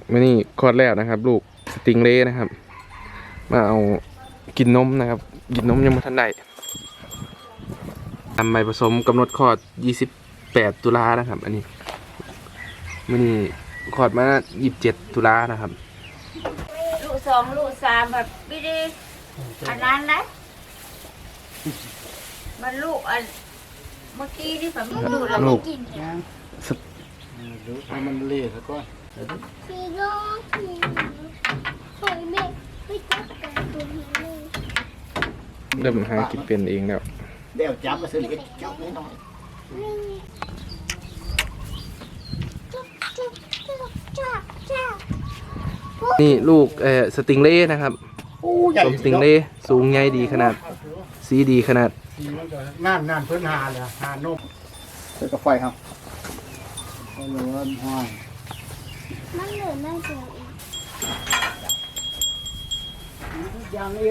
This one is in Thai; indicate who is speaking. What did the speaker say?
Speaker 1: มื่อนี้คลอดแล้วนะครับ ลูกสติงเล่นะครับ มาเอากินนมนะครับ กินนมยังไม่ทันได้ทำใบผสมกำหนดคลอด28 ตุลานะครับ อันนี้มื่อนี้คลอดมา27 ตุลานะครับ
Speaker 2: ลูก2ลูก3แบบไม่ได้อันนั้นนะมันลูกอันเมื่อกี้ที่ผมดูแล้วไม่กินเนี่ย
Speaker 3: ดูให้มันเละซะก่อน
Speaker 4: พี่ก็พี่ปล่อยแม่ไม่จับกันตัวนี้เลย
Speaker 1: เริ่มหากินเป็นเองแล้ว
Speaker 3: เดี๋ยวจับมาซื้อเล็กจับน้อย
Speaker 4: จับจับจับจับจับ
Speaker 1: นี่ลูกสติงเล่นะครับ
Speaker 3: ๆโอ้ใหญ่
Speaker 1: สมสติงเล่สูงใหญ่ดีขนาด สีดีขนาด
Speaker 3: นั่นเพิ่นหาเลยหานมเปิดกระไฟครับก็เลยว่าห้อย
Speaker 4: มันเหลือน่าจะอีก
Speaker 3: ยางเอ็